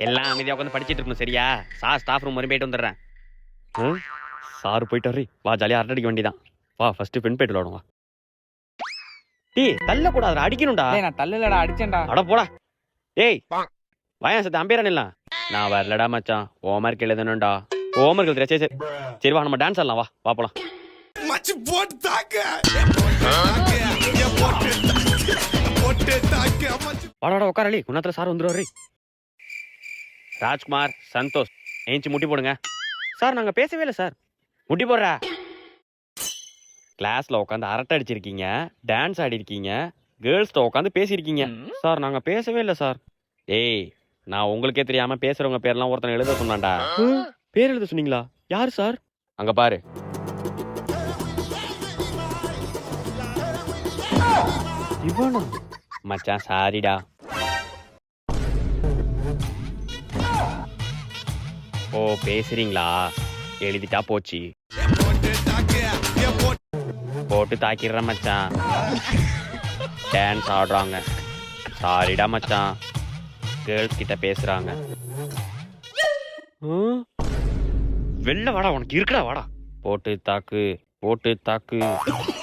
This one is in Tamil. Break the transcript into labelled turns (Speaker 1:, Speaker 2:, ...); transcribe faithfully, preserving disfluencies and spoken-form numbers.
Speaker 1: எல்லாம் அமைதியா உட்காந்து படிச்சிட்டு இருக்கணும் சரியா? சார் ஸ்டாஃப் ரூம் வரையும் போயிட்டு வந்துடுறேன். ம் சார் போயிட்டு வர்றி வா, ஜாலியாக அரட்டை அடிக்க வேண்டியதான். வா ஃபர்ஸ்ட் பெண் போயிட்டு விளாடுவா. டீ தள்ள கூடாது, அடிக்கணும்டா.
Speaker 2: நான் தள்ளலடா, அடிச்சேன்டா.
Speaker 1: அட போடா. ஏய் வாயா சத்து அம்பேரன் இல்ல. நான் வரலடா மச்சான், ஹோம்ஒர்க் எழுதணும்டா. ஹோம்ஒர்க் எழுதுற சரி சரி சரி வா நம்ம டான்ஸ் ஆடலாம். வா வா போலாம்.
Speaker 3: மச்சி போட்டு தாக்க போட்டு தாக்க மச்சி
Speaker 1: வாடா உட்காரலி, குணத்துல சார் வந்துருவாரு. ராஜ்குமார் சந்தோஷ் ஏஞ்சி முட்டி போடுங்க. சார் நாங்க பேசவே இல்லை சார். முட்டி போடுற. கிளாஸ்ல உட்காந்து அரட்டை அடிச்சிருக்கீங்க, டான்ஸ் ஆடி இருக்கீங்க, கேர்ள்ஸ்ட உட்காந்து பேசியிருக்கீங்க. சார் நாங்க பேசவே இல்லை சார். ஏய் நான் உங்களுக்கே தெரியாம பேசுறவங்க பேர்லாம் ஒருத்தனை எழுத சொன்னான்டா. பேர் எழுத சொன்னீங்களா? யாரு சார்? அங்க பாரு. இவனா? மச்சான் சாரிடா. ஓ பேசுறீங்களா? எழுதிட்டா போச்சு. போட்டு தாக்கிடுறேன் மச்சான். டான்ஸ் ஆடுறாங்க. சாரிடா மச்சான், கேர்ள்ஸ் கிட்ட பேசுறாங்க. வெளில வாடா, உனக்கு இருக்குடா வாடா. போட்டு தாக்கு போட்டு தாக்கு.